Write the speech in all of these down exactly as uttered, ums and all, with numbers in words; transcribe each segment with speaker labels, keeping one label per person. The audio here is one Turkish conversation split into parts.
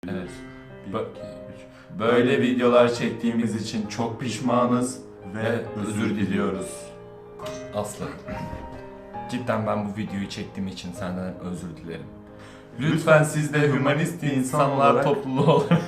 Speaker 1: Evet. Böyle videolar çektiğimiz için çok pişmanız ve özür diliyoruz. Aslı. Cidden ben bu videoyu çektiğim için senden özür dilerim. Lütfen siz de hümanist insanlar topluluğu olarak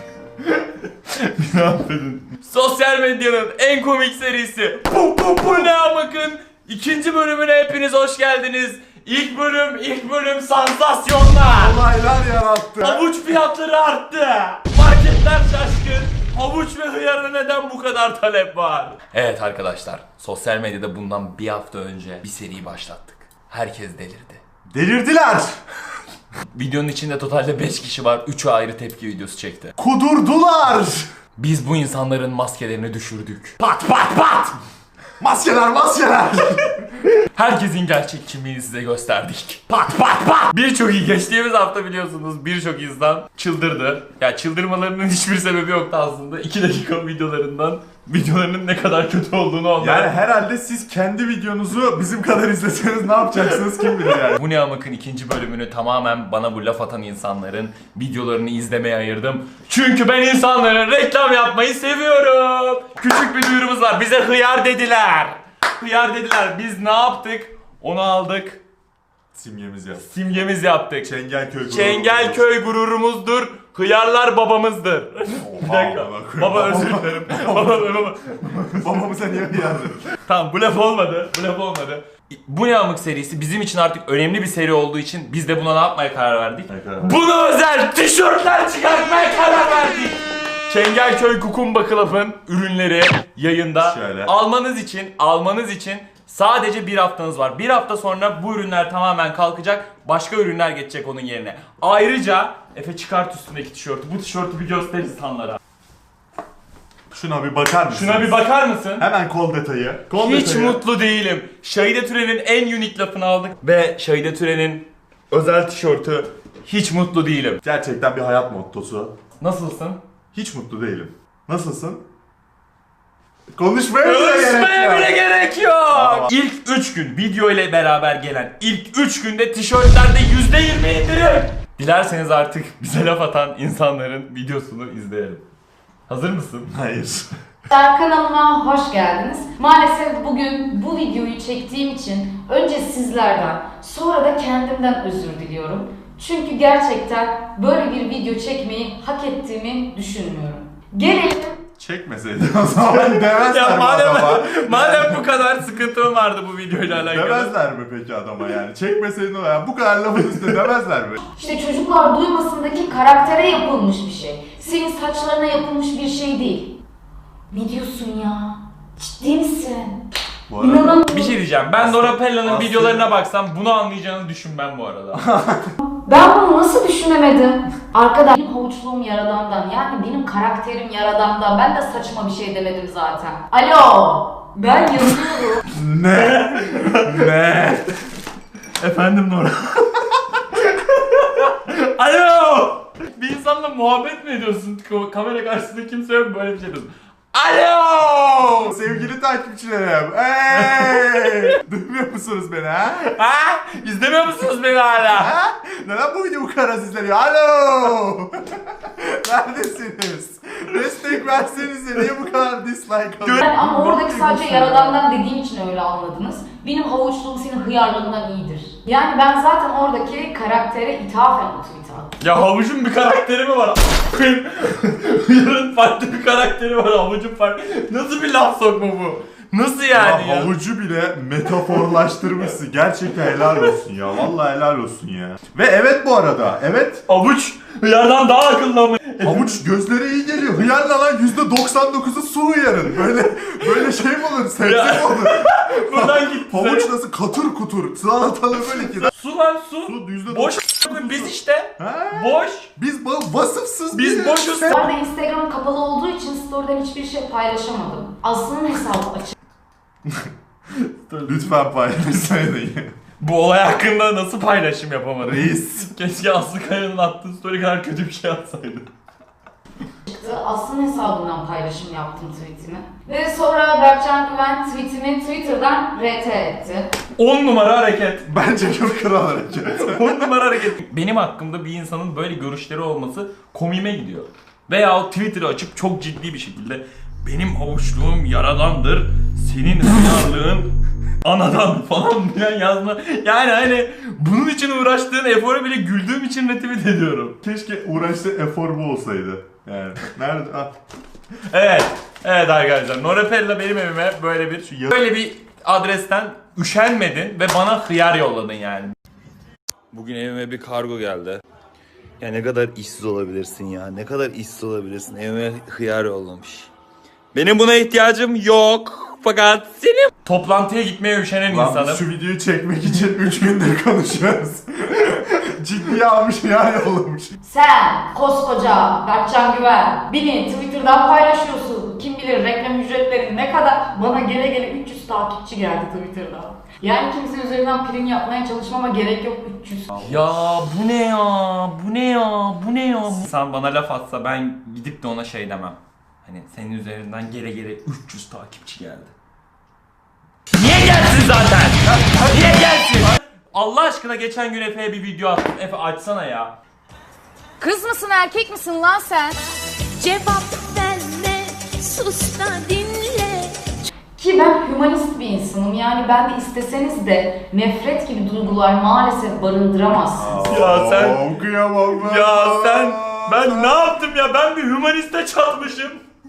Speaker 1: ne affedin. Sosyal medyanın en komik serisi Bu Bu Bu Ne Bakın ikinci bölümüne hepiniz hoş geldiniz. İlk bölüm, ilk bölüm sansasyonlar.
Speaker 2: Olaylar yarattı.
Speaker 1: Havuç fiyatları arttı. Marketler şaşkın. Havuç ve hıyara neden bu kadar talep var? Evet arkadaşlar, sosyal medyada bundan bir hafta önce bir seri başlattık. Herkes delirdi.
Speaker 2: Delirdiler.
Speaker 1: Videonun içinde totalde beş kişi var. üçü ayrı tepki videosu çekti.
Speaker 2: Kudurdular.
Speaker 1: Biz bu insanların maskelerini düşürdük. Pat pat pat!
Speaker 2: Maskeler maskeler.
Speaker 1: Herkesin gerçek kimliğini size gösterdik. Pat pat pat! Birçok iyi geçtiğimiz hafta biliyorsunuz birçok insan çıldırdı. Ya çıldırmalarının hiçbir sebebi yoktu aslında. iki dakika videolarından videolarının ne kadar kötü olduğunu onlar.
Speaker 2: Yani herhalde siz kendi videonuzu bizim kadar izleseniz ne yapacaksınız kim bilir yani.
Speaker 1: Bu Ne Amık'ın ikinci bölümünü tamamen bana bu laf atan insanların videolarını izlemeye ayırdım. Çünkü ben insanların reklam yapmayı seviyorum. Küçük bir duyurumuz var. Bize hıyar dediler. Hıyar dediler. Biz ne yaptık? Onu aldık.
Speaker 2: Simgemiz yap.
Speaker 1: Simgemiz yaptık.
Speaker 2: Çengelköy gururumuz.
Speaker 1: Çengelköy gururumuzdur. Hıyarlar babamızdır. Bir dakika. Baba özür dilerim. Baba baba.
Speaker 2: Babamıza niye hıyardın?
Speaker 1: Tamam bu laf olmadı. Bu laf olmadı. Bu Ne Amık serisi bizim için artık önemli bir seri olduğu için biz de buna ne yapmaya karar verdik? Buna özel tişörtler çıkartmaya karar verdik. Çengelköy Kukumba Club'ın ürünleri yayında.
Speaker 2: Şöyle.
Speaker 1: Almanız için, almanız için sadece bir haftanız var. Bir hafta sonra bu ürünler tamamen kalkacak. Başka ürünler geçecek onun yerine. Ayrıca Efe çıkart üstündeki tişörtü. Bu tişörtü bir göster insanlara.
Speaker 2: Şuna bir bakar mısın?
Speaker 1: Şuna bir bakar mısın?
Speaker 2: Hemen kol detayı. Kol
Speaker 1: Hiç
Speaker 2: detayı.
Speaker 1: mutlu değilim. Şahide Türen'in en unik lafını aldık. Ve Şahide Türen'in özel tişörtü. Hiç mutlu değilim.
Speaker 2: Gerçekten bir hayat mottosu.
Speaker 1: Nasılsın?
Speaker 2: Hiç mutlu değilim. Nasılsın? Konuşmaya bile gerek
Speaker 1: Ölçmeye
Speaker 2: yok.
Speaker 1: bile gerek yok.
Speaker 2: Aa.
Speaker 1: İlk üç gün video ile beraber gelen ilk üç günde tişörtlerde yüzde yirmi indirim. Dilerseniz artık bize laf atan insanların videosunu izleyelim. Hazır mısın?
Speaker 2: Hayır.
Speaker 3: Kanalıma hoş geldiniz. Maalesef bugün bu videoyu çektiğim için önce sizlerden sonra da kendimden özür diliyorum. Çünkü gerçekten böyle bir video çekmeyi hak ettiğimi düşünmüyorum. Gelelim
Speaker 2: Çekmeseydin o zaman demezler
Speaker 1: Ya
Speaker 2: mi
Speaker 1: madem,
Speaker 2: adama?
Speaker 1: madem bu kadar sıkıntım vardı bu videoyla alakalı.
Speaker 2: Demezler mi peki adama yani? Çekmeseydin o yani bu kadar lafın üstüne demezler mi?
Speaker 3: işte çocuklar duymasındaki karaktere yapılmış bir şey. Senin saçlarına yapılmış bir şey değil. Ne diyorsun ya? Ciddi misin?
Speaker 2: Bu arada
Speaker 3: İnanamıyorum.
Speaker 1: Bir şey diyeceğim. Ben Dora Pella'nın
Speaker 2: Aslı-
Speaker 1: videolarına baksam bunu anlayacağını düşünmem bu arada.
Speaker 3: Ben bunu nasıl düşünemedim? Arkadaş benim havuçluğum yaradandan, yani benim karakterim yaradandan. Ben de saçma bir şey demedim zaten. Alo! Ben yazıyorum.
Speaker 2: ne? ne?
Speaker 1: Efendim Nora. Alo! Bir insanla muhabbet mi ediyorsun? Ko- Kamera karşısında kimse yok böyle bir şey diyorsun. Alo!
Speaker 2: Sevgili takipçilerim. Hey! Duymuyor musunuz beni ha?
Speaker 1: Ha? İzlemiyor musunuz beni hala?
Speaker 2: Ha? Neden bu video bu kadar az izleniyor? Alo! Neredesiniz? Destek versenize niye bu kadar dislike alıyor?
Speaker 3: Ben, ama oradaki sadece yaradandan dediğim için öyle anladınız. Benim havuçluğum senin hıyarlığından iyidir. Yani ben zaten oradaki karaktere ithafen o tweet'i attım.
Speaker 1: Ya havucun bir karakteri mi var? Yarın farklı bir karakteri var, havucun farklı. Nasıl bir laf sokma bu? Nasıl yani ya?
Speaker 2: Ya havucu bile metaforlaştırmışsın. Gerçekten helal olsun ya. Vallahi helal olsun ya. Ve evet bu arada. Evet.
Speaker 1: Havuç hıyardan daha akıllı ama.
Speaker 2: Havuç gözlere iyi geliyor. Hıyarla lan yüzde doksan dokuzu su hıyarın. Böyle böyle şey mi olur? Sebze
Speaker 1: Ya.
Speaker 2: mi olur?
Speaker 1: Buradan gitti.
Speaker 2: Havuç nasıl katır kutur. Salatalı böyle ki.
Speaker 1: Su lan su.
Speaker 2: Su yüzde
Speaker 1: Boş
Speaker 2: doksan
Speaker 1: biz işte.
Speaker 2: Ha?
Speaker 1: Boş.
Speaker 2: Biz ba- vasıfsız
Speaker 1: Biz
Speaker 2: bir-
Speaker 1: boşuz.
Speaker 3: Bu arada Instagram'ım kapalı olduğu için story'den hiçbir şey paylaşamadım. Aslı'nın hesabı açık.
Speaker 2: Lütfen paylaşsaydın.
Speaker 1: Bu olay hakkında nasıl paylaşım yapamadım?
Speaker 2: Reis.
Speaker 1: Keşke Aslı Kaya'nın attığı story kadar kötü bir şey atsaydı.
Speaker 3: çıktı. Aslında hesabından paylaşım yaptım tweetimi. Ve sonra Berkcan Güven tweetimi Twitter'dan R T etti.
Speaker 1: on numara hareket.
Speaker 2: Bence çok kral hareket.
Speaker 1: on numara hareket. Benim hakkımda bir insanın böyle görüşleri olması komiğime gidiyor. Veya o Twitter'ı açıp çok ciddi bir şekilde benim havuçluğum yaradandır, senin hıyarlığın anadan falan filan yazma. Yani hani bunun için uğraştığın eforu bile güldüğüm için retweet ediyorum.
Speaker 2: Keşke uğraştığı efor bu olsaydı. Yani nerede? Ah.
Speaker 1: Evet, evet arkadaşlar. Norepella benim evime böyle bir böyle bir adresten üşenmedin ve bana hıyar yolladın yani. Bugün evime bir kargo geldi.
Speaker 4: Ya ne kadar işsiz olabilirsin ya. Ne kadar işsiz olabilirsin. Evime hıyar yollamış.
Speaker 1: Benim buna ihtiyacım yok. Fakat senin toplantıya gitmeye üşenen
Speaker 2: Lan
Speaker 1: insanım.
Speaker 2: biz şu videoyu çekmek için üç gündür konuşuyoruz. Ciddiye almış ya yollamış.
Speaker 3: Sen koskoca Berkcan Güven beni Twitter'dan paylaşıyorsun. Kim bilir reklam ücretleri ne kadar? Bana gele gele üç yüz takipçi geldi Twitter'da. Yani kimse üzerinden prim yapmaya çalışmama gerek yok üç yüz.
Speaker 1: Ya bu ne ya? Bu ne ya? Bu ne ya? İnsan bana laf atsa ben gidip de ona şey demem. Hani senin üzerinden gele gele üç yüz takipçi geldi. Niye gelsin zaten? Niye gelsin? Allah aşkına geçen gün Efe'ye bir video attım. Efe açsana ya.
Speaker 5: Kız mısın erkek misin lan sen?
Speaker 6: Cevap verme, sus da dinle.
Speaker 3: Ki ben hümanist bir insanım. Yani ben de isteseniz de nefret gibi duygular maalesef barındıramazsınız.
Speaker 1: Ya sen-
Speaker 2: Aa, kıyamam ben.
Speaker 1: Ya sen ben ne yaptım ya? Ben bir hümaniste çatmışım.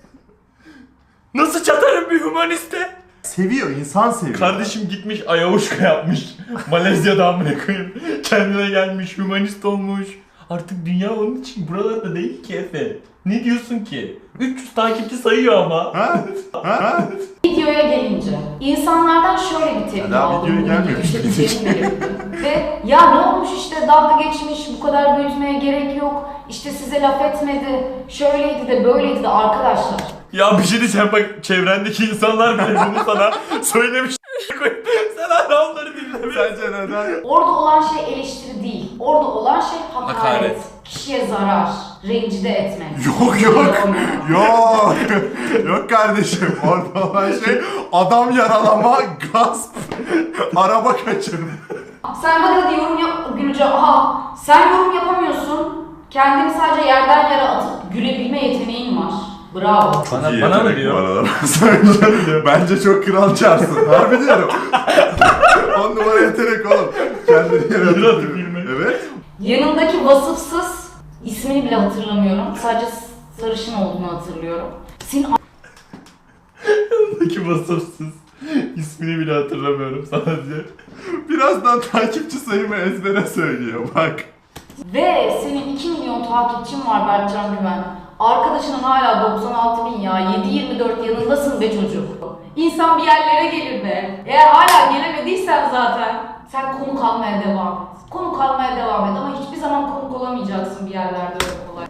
Speaker 1: Nasıl çatarım bir hümaniste?
Speaker 2: Seviyor, insan seviyor.
Speaker 1: Kardeşim gitmiş ayavuşka yapmış. Malezya'da amına koyayım. Kendine gelmiş, hümanist olmuş. Artık dünya onun için buralarda değil ki Efe. Ne diyorsun ki? üç yüz takipçi sayıyor ama.
Speaker 2: Ha? Ha?
Speaker 3: Videoya gelince insanlardan şöyle bir tepki
Speaker 2: Ya daha
Speaker 3: aldım.
Speaker 2: videoya
Speaker 3: bu
Speaker 2: gelmemiş
Speaker 3: işte
Speaker 2: miydik?
Speaker 3: içerik verildi. Ve ya ne olmuş işte dalga geçmiş, bu kadar büyütmeye gerek yok. İşte size laf etmedi, şöyleydi de böyleydi de arkadaşlar.
Speaker 1: Ya bir şey diyeceğim bak çevrendeki insanlar bile bunu sana söylemiş. Sen hala onları dinlemiyorsun.
Speaker 2: Sence neden?
Speaker 3: Orada olan şey eleştiri değil. Orada olan şey hakaret.
Speaker 1: Hakaret.
Speaker 3: Kişiye zarar, rencide etmek.
Speaker 2: Yok yok. Yok. Yok kardeşim. Orada olan şey adam yaralama, gasp, araba kaçırma.
Speaker 3: Sen hadi hadi yorum yap Gülce. Aha sen yorum yapamıyorsun. Kendini sadece yerden yere atıp gülebilme yeteneğin var. Bravo.
Speaker 1: Bana,
Speaker 2: İyi
Speaker 1: bana mı
Speaker 2: yetenek bu
Speaker 1: diyor?
Speaker 2: arada. Bence, bence çok kral çarsın. Harbi diyorum. On numara yetenek oğlum. Kendini yere
Speaker 1: Yürü
Speaker 2: atıp-
Speaker 1: hadi bilme.
Speaker 2: Evet.
Speaker 3: Yanındaki vasıfsız ismini bile hatırlamıyorum. Sadece sarışın olduğunu hatırlıyorum. Senin
Speaker 1: Ki vasıfsız. İsmini bile hatırlamıyorum sadece.
Speaker 2: Birazdan takipçi sayımı ezbere söylüyor bak.
Speaker 3: ve senin iki milyon takipçin var Berkcan Güven. Arkadaşının hala doksan altı bin ya. yedi yirmi dört yanındasın be çocuk. İnsan bir yerlere gelir be. Eğer hala gelemediysen zaten sen konuk almaya devam et. Konuk almaya devam et ama hiçbir zaman konuk olamayacaksın bir yerlerde öyle kolay.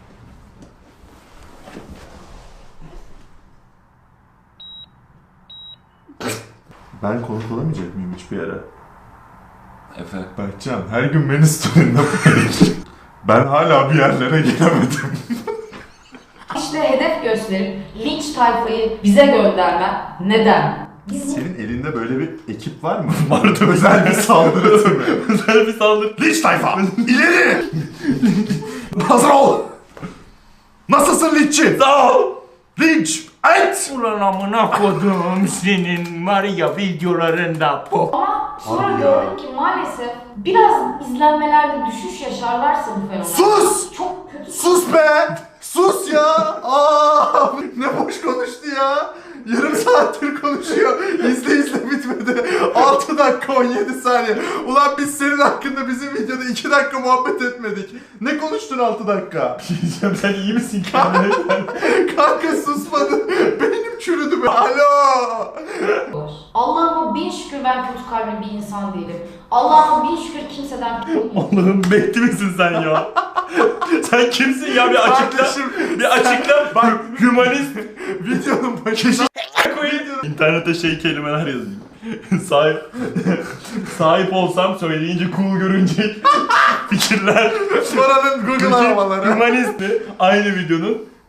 Speaker 2: Ben konuk olamayacak mıyım hiçbir yere?
Speaker 1: Efe.
Speaker 2: Berkcan her gün beni story'inde paylaş. Ben hala bir yerlere gelemedim.
Speaker 3: İşte hedef gösterip linç tayfayı bize göndermen neden? Bizim
Speaker 2: Senin elinde böyle bir ekip var mı?
Speaker 1: Vardı.
Speaker 2: Özel bir saldırı mı?
Speaker 1: Özel bir saldırı.
Speaker 2: Linç tayfa! İleri! Hazır ol! Nasılsın linççi?
Speaker 1: Sağ ol.
Speaker 2: Linç! Et!
Speaker 1: Ulan amına kodum senin var ya videolarında pop.
Speaker 3: ama sonra
Speaker 2: Abi ya.
Speaker 3: gördük ki maalesef biraz izlenmelerde düşüş yaşarlarsa bu fenomen.
Speaker 2: Sus!
Speaker 3: Çok kötü.
Speaker 2: Sus be! Sus ya! Aa, ne boş konuştu ya! Yarım saattir konuşuyor. İzle izle bitmedi. altı dakika on yedi saniye. Ulan biz senin hakkında bizim videoda iki dakika muhabbet etmedik. Ne konuştun altı dakika?
Speaker 1: Diyeceğim sen iyi misin kendine?
Speaker 2: Kanka susmadın. Beynim çürüdü be. Alo!
Speaker 3: Allah'ıma bin şükür ben kötü kalpli bir insan değilim. Allah'ıma bin şükür kimseden
Speaker 1: Allah'ım bekli misin sen ya? Sen kimsin ya bir açıkla.
Speaker 2: Kardeşim,
Speaker 1: Bir açıkla.
Speaker 2: Bak
Speaker 1: Hümanist.
Speaker 2: videonun başında
Speaker 1: koyayım. İnternete şey kelimeler yazayım. Sahip sahip olsam söyleyince cool görünecek fikirler.
Speaker 2: Paranın Google aramaları.
Speaker 1: Hümanisti aynı videonun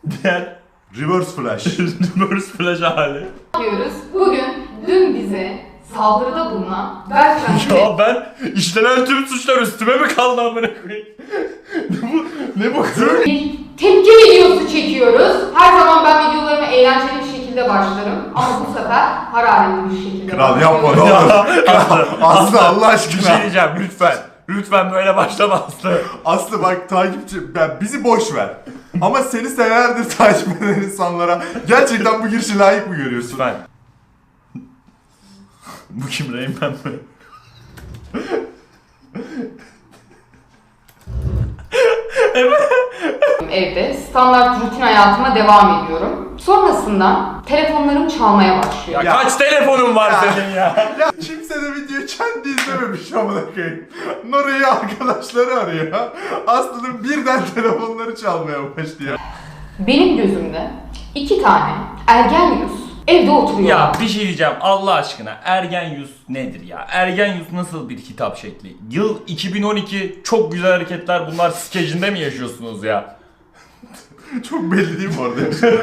Speaker 1: Diğer
Speaker 2: Reverse flash.
Speaker 1: reverse flash hali.
Speaker 3: yapıyoruz? Bugün dün bize saldırıda bulunan Berkcan
Speaker 1: Ya ben işlenen tüm suçlar üstüme mi kaldı amına koyayım? ne bu? Ne bu?
Speaker 3: bir tepki videosu çekiyoruz. Her zaman ben videolarıma eğlenceli bir şekilde başlarım. Ama bu sefer hararetli bir şekilde
Speaker 2: Kral yapma ne
Speaker 3: başlıyorum.
Speaker 2: olur.
Speaker 1: Aslı,
Speaker 2: Aslı Allah
Speaker 1: bir şey
Speaker 2: aşkına.
Speaker 1: diyeceğim lütfen. Lütfen böyle başlama Aslı.
Speaker 2: Aslı bak takipçi, ben, bizi boş ver. Ama seni senelerdir takip eden insanlara gerçekten bu girişi layık mı görüyorsun?
Speaker 1: Lütfen. Bu kim, Reymen mi?
Speaker 3: Evde standart rutin hayatıma devam ediyorum. Sonrasında telefonlarım çalmaya başlıyor.
Speaker 1: Ya, kaç telefonun var
Speaker 2: Ya.
Speaker 1: senin ya?
Speaker 2: Ya kimse de videoyu kendi izlememiş amına koyayım. Nora'yı arkadaşları arıyor. Aslı'nın birden telefonları çalmaya başlıyor.
Speaker 3: Benim gözümde iki tane ergen yüz evde oturuyor.
Speaker 1: Ya bir şey diyeceğim Allah aşkına, Ergen Yüz nedir ya? Ergen Yüz nasıl bir hitap şekli? Yıl iki bin on iki, çok güzel hareketler bunlar skecinde mi yaşıyorsunuz ya?
Speaker 2: Çok belli değil mi orada?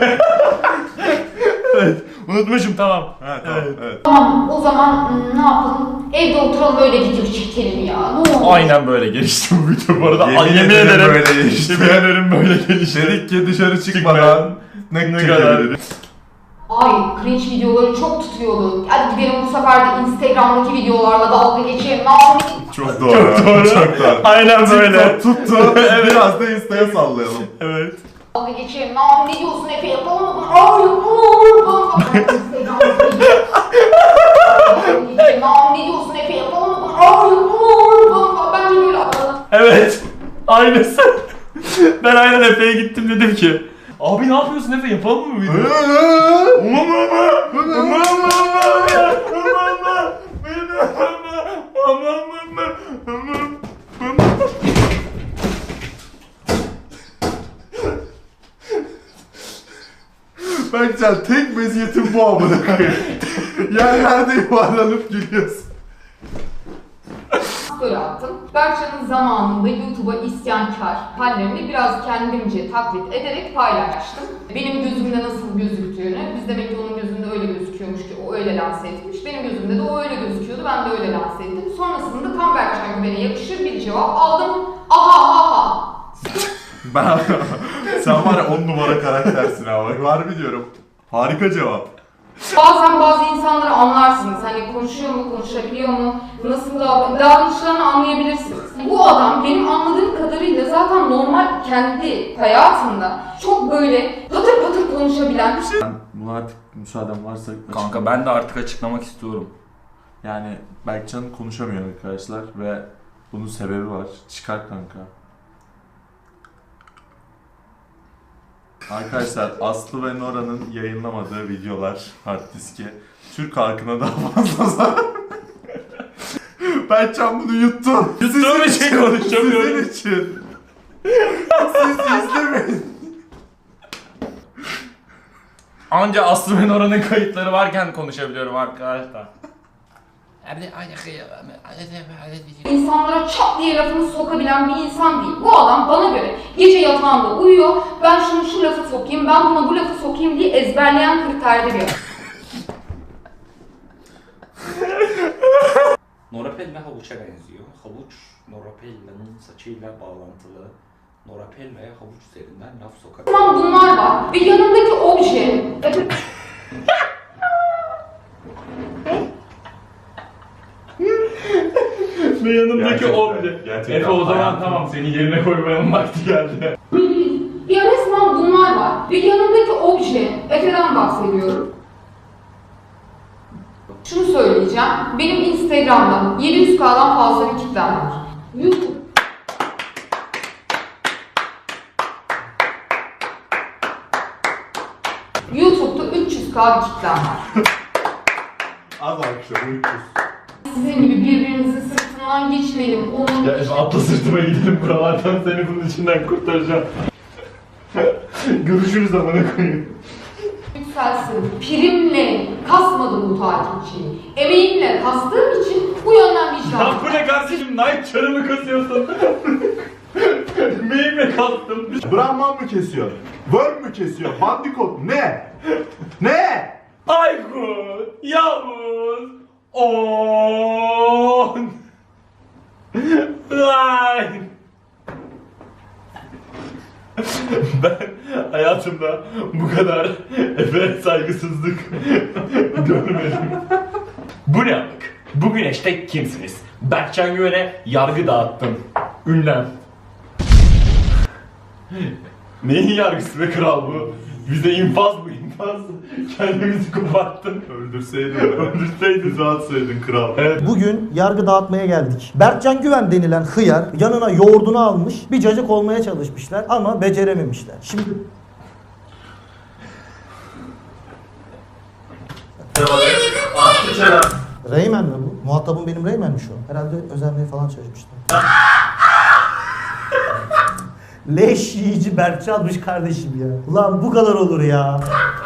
Speaker 1: Evet, unutmuşum tamam.
Speaker 2: Ha tamam evet. evet.
Speaker 3: Tamam o zaman hmm, ne yapalım? Evde oturalım öyle video çekelim ya. Ne olur.
Speaker 1: Aynen böyle gelişti bu video bu arada.
Speaker 2: Yemin
Speaker 1: Ay, yemin
Speaker 2: ederim
Speaker 1: ederim
Speaker 2: böyle gelişti.
Speaker 1: Yemin ederim böyle gelişti.
Speaker 2: Dedik ki dışarı çıkmadan ne,
Speaker 1: Ne
Speaker 2: kadar.
Speaker 1: kadar.
Speaker 3: Ay cringe videoları çok tutuyordu. Hadi gidelim bu sefer de Instagram'daki videolarla dalga geçelim. Ay,
Speaker 2: Çok doğru.
Speaker 1: Çok doğru.
Speaker 2: Çok doğru.
Speaker 1: Aynen böyle.
Speaker 2: TikTok tuttu. Biraz da Insta'ya sallayalım.
Speaker 1: Evet.
Speaker 3: dalga geçelim. Ay ne diyorsun Efe yapalım mı? Ay yapalım. Instagram'daki video. Ay ne diyorsun Efe yapalım mı? Ay yapalım. Bence böyle yapalım.
Speaker 1: Evet. Aynısı. Ben aynen Efe'ye gittim dedim ki abi ne yapıyorsun Efe, yapalım mı video? Umam ama.
Speaker 2: Berkcan tek meziyetin bu amına koyayım. Yerlerde yuvarlanıp gülüyorsun.
Speaker 3: Böyle attım. Berkcan'ın zamanında YouTube'a isyankar hallerini biraz kendimce taklit ederek paylaştım. Benim gözümde nasıl gözüktüğünü, biz demek ki onun gözünde öyle gözüküyormuş ki o öyle lanse etmiş. Benim gözümde de o öyle gözüküyordu, ben de öyle lanse ettim. Sonrasında tam Berkcan Güven'e yakışır bir cevap aldım. Aha aha.
Speaker 2: Ben sen var ya on numara karaktersin abi. Harbi diyorum. Harika cevap.
Speaker 3: Bazen bazı insanları anlarsınız. Hani konuşuyor mu, konuşabiliyor mu, nasıl davran davranışlarını anlayabilirsiniz. Bu adam benim anladığım kadarıyla zaten normal kendi hayatında çok böyle patır patır konuşabilen.
Speaker 7: Ben buna artık müsaaden varsa
Speaker 1: Kanka ben de artık açıklamak istiyorum.
Speaker 7: yani Berkcan konuşamıyor arkadaşlar ve bunun sebebi var. Çıkar kanka. Arkadaşlar Aslı ve Nora'nın yayınlamadığı videolar hard diski Türk halkına daha fazla zarar.
Speaker 2: Berkcan bunu yuttu.
Speaker 1: Yuttuğum için konuşamıyorum.
Speaker 2: Sizin için. Siz izlemeyin.
Speaker 1: Anca Aslı ve Nora'nın kayıtları varken konuşabiliyorum arkadaşlar.
Speaker 3: İnsanlara çat diye lafını sokabilen bir insan değil. Bu adam bana göre gece yatağında uyuyor. Ben şunu şu lafı sokayım, ben buna bu lafı sokayım diye ezberleyen kriterde bir adam.
Speaker 8: Norapella havuça benziyor. Havuç, Norapella'nın saçıyla bağlantılı. Norapella'ya havuç üzerinden laf sokar.
Speaker 3: Tamam bunlar var ve yanındaki obje...
Speaker 1: Ve yanımdaki
Speaker 7: Gerçekten,
Speaker 1: obje.
Speaker 7: gerçekten
Speaker 1: Efe o zaman
Speaker 7: hayatım.
Speaker 1: tamam, seni yerine koymanın vakti geldi.
Speaker 3: Ya resmen bunlar var ve yanındaki obje, Efe'den bahsediyorum. Şunu söyleyeceğim, benim Instagram'da yedi yüz K'dan fazla bir kitlem var. YouTube YouTube'da üç yüz K bir kitlem var.
Speaker 2: Az akşam uykusuz.
Speaker 3: Sizin gibi birbirinizin sırtından geçmeyelim. Onun
Speaker 1: Ya Efe atla sırtıma gidelim buralardan, seni bunun içinden kurtaracağım. Görüşürüz amına koyayım.
Speaker 3: yükselsin. Primle kasmadım bu takipçiyi. Emeğimle kastığım için bu yönden vicdan.
Speaker 1: Ya bu ne kardeşim, Nike çarımı kasıyorsun. Meyimle kalktım.
Speaker 7: Brahman mı kesiyor? Worm mü kesiyor? Bandikot ne? Ne?
Speaker 1: Aykut, Yavuz, On, Line. Ben hayatımda bu kadar efe saygısızlık görmedim. Bu ne amık? Bu güneşte kimsiniz? Berkcan Güven'e yargı dağıttım. Ünlem. Neyin yargısı be kral bu? Bize infaz bu infaz. Kendimizi koparttın.
Speaker 7: Öldürseydin be.
Speaker 1: Öldürseydin.
Speaker 7: Bizi atsaydın kral.
Speaker 1: Evet.
Speaker 9: Bugün yargı dağıtmaya geldik. Berkcan Güven denilen hıyar yanına yoğurdunu almış, bir cacık olmaya çalışmışlar ama becerememişler. Şimdi Reymen mi bu? Muhatabım benim Reymen mi şu an? Herhalde özenmeye falan çalışmışlar. Leş yiyici Berkcan'mış kardeşim ya. Ulan bu kadar olur ya.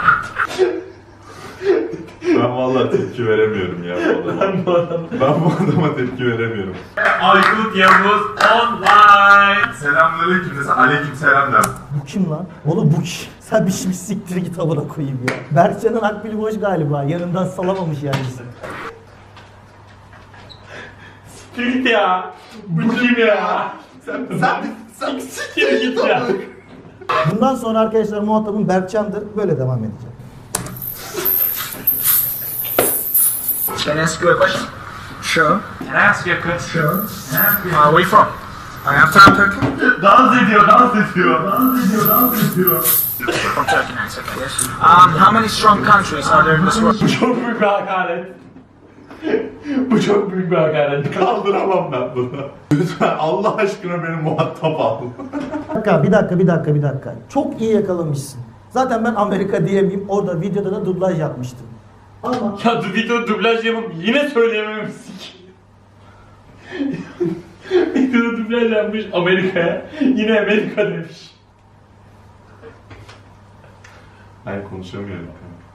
Speaker 7: Ben vallahi tepki veremiyorum ya bu adama.
Speaker 1: Ben bu adamı...
Speaker 7: Ben bu adama tepki veremiyorum.
Speaker 1: Aykut Yavuz online.
Speaker 7: Selamünaleyküm desen aleyküm selam der.
Speaker 9: Bu kim lan? Oğlum bu kim? Sen bir şey siktir git amına koyayım ya. Berkcan'ın akbili boş galiba. Yanından salamamış yani.
Speaker 1: Spirit ya. Bu kim ya?
Speaker 2: Sen, sen, sen
Speaker 1: Siktir git ya.
Speaker 9: Bundan sonra arkadaşlar muhatabım Berkcan'dır. Böyle devam edeceğim.
Speaker 10: Can I ask you a question? Sure.
Speaker 1: Can I ask you a question?
Speaker 10: Where are we from? I am from Turkey.
Speaker 1: Dans ediyor, dans ediyor. Dans ediyor, dans ediyor.
Speaker 10: From Turkey, nice, okay, yes. Um, how many strong countries are there in this world?
Speaker 1: Bu çok büyük bir hakaret. Bu çok büyük bir hakaret.
Speaker 7: Kaldıramam ben bunu. Lütfen Allah aşkına beni muhatap al.
Speaker 9: Bir dakika, bir dakika, bir dakika, bir dakika. Çok iyi yakalamışsın. Zaten ben Amerika diyemeyeyim. Orada videoda da dublaj yapmıştım. Ama
Speaker 1: Ya du video dublaj yapıp yine söyleyememişsin ki. Videoda dublaj yapmış Amerika'ya. Yine Amerika demiş.
Speaker 7: Ben konuşamıyorum.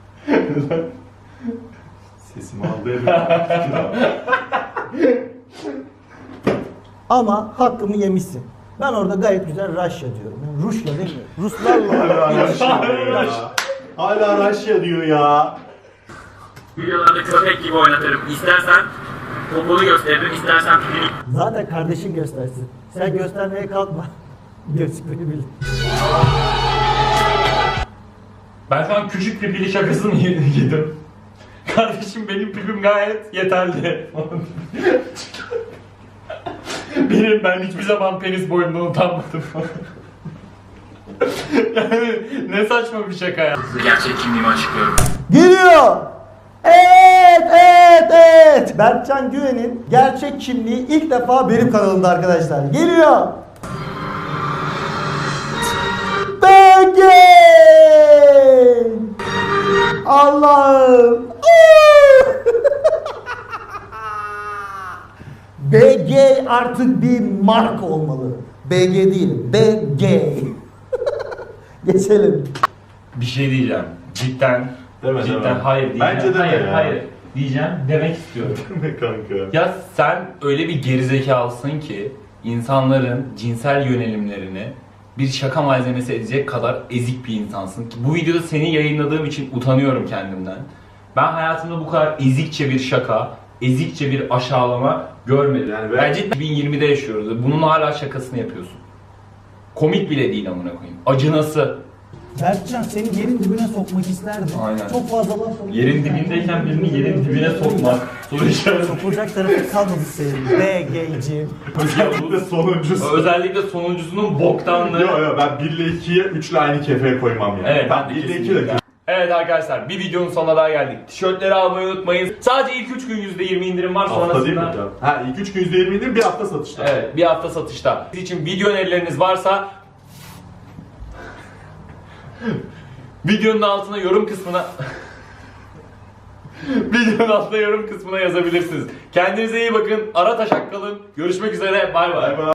Speaker 7: Sesimi aldı elimden.
Speaker 9: ama hakkımı yemişsin. Ben orada gayet güzel Rusya diyorum. Yani Rusya değil mi? Ruslarla.
Speaker 7: Hala Raşya diyor ya. Hala Raşya diyor ya.
Speaker 1: Videolarda köpek gibi oynatırım. İstersen poponu gösteririm, istersen pipini.
Speaker 9: Zaten kardeşin göstersin. Sen göstermeye kalkma. Gözükmeni bil.
Speaker 1: Ben şu an küçük pipili şakasını yedim. Kardeşim benim pipim gayet yeterli. Benim ben hiçbir zaman penis boyundan utanmadım. Yani ne saçma bir şaka ya. Gerçek kimliğimi açıklıyorum.
Speaker 9: Geliyor. Evet, evet, evet. Berkcan Güven'in gerçek kimliği ilk defa benim kanalımda arkadaşlar. Geliyor. B G. Allah'ım. B G artık bir marka olmalı. B G değil, B G. Geçelim.
Speaker 1: Bir şey diyeceğim. Cidden.
Speaker 7: Deme,
Speaker 1: cidden
Speaker 7: deme.
Speaker 1: hayır diyeceğim.
Speaker 7: Bence deme
Speaker 1: hayır,
Speaker 7: ya.
Speaker 1: hayır. Diyeceğim, demek istiyorum.
Speaker 7: Kanka.
Speaker 1: Ya sen öyle bir gerizekalısın ki insanların cinsel yönelimlerini bir şaka malzemesi edecek kadar ezik bir insansın ki bu videoda seni yayınladığım için utanıyorum kendimden. Ben hayatımda bu kadar ezikçe bir şaka, ezikçe bir aşağılama görmedim.
Speaker 7: Yani ben-
Speaker 1: Bence iki bin yirmide yaşıyoruz ve bunun hala şakasını yapıyorsun. Komik bile değil amına koyayım. Acınası.
Speaker 9: Berkcan seni yerin dibine sokmak isterdim.
Speaker 1: Aynen.
Speaker 9: Çok fazla laf oldu.
Speaker 1: Yerin dibindeyken birini yerin dibine sokmak. Soru işareti.
Speaker 9: Sokulacak tarafı kalmadı senin. B G'ciğim.
Speaker 7: Özellikle sonuncusu.
Speaker 1: Özellikle sonuncusunun boktanlığı.
Speaker 7: Yok yok ben bir ile ikiye üç ile aynı kefeye koymam yani.
Speaker 1: Evet, ben de
Speaker 7: bir ile iki
Speaker 1: kesinlikle.
Speaker 7: de
Speaker 1: Evet arkadaşlar bir videonun sonuna daha geldik. Tişörtleri almayı unutmayın. Sadece ilk üç gün yüzde yirmi indirim var
Speaker 7: hafta değil mi?
Speaker 1: sonrasında.
Speaker 7: Ha ilk üç gün yüzde yirmi indirim bir hafta satışta.
Speaker 1: Evet bir hafta satışta. Siz için video önerileriniz varsa videonun altına yorum kısmına videonun altına yorum kısmına yazabilirsiniz. Kendinize iyi bakın. Ara taşak kalın. Görüşmek üzere. Bay bay.